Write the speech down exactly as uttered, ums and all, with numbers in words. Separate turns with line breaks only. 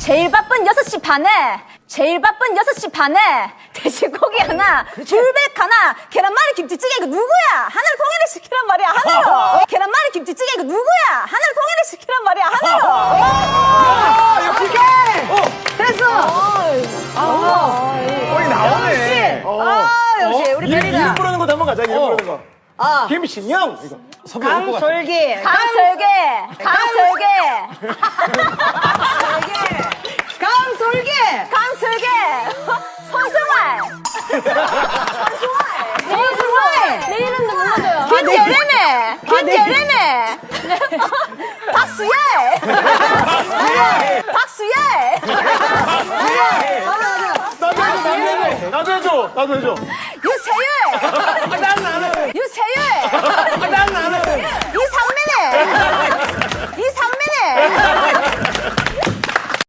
제일 바쁜 여섯 시 반에 제일 바쁜 여섯 시 반에 돼지고기 하나, 불백 하나, 계란말이 김치찌개 이거 누구야? 하나를 통일을 시키란 말이야 하나로. 계란말이 김치찌개 이거 누구야? 하나를 통일을 시키란 말이야 하나로.
오케이.
됐어.
거의 나오네.
아, 역시 우리
이름,
베리가.
이름 부르는 것도 한번 가자. 이름 부르는 거.
아.
김신영. 이거.
강솔기.
강설계, 강설계,
강솔기.
강설계, 손승활, 손승활, 내 이름도 불러줘요. 김재래네, 김재래네, 박수열, 박수열.
나도 해줘, 나도 해줘. 나도 해줘. 나도 해줘.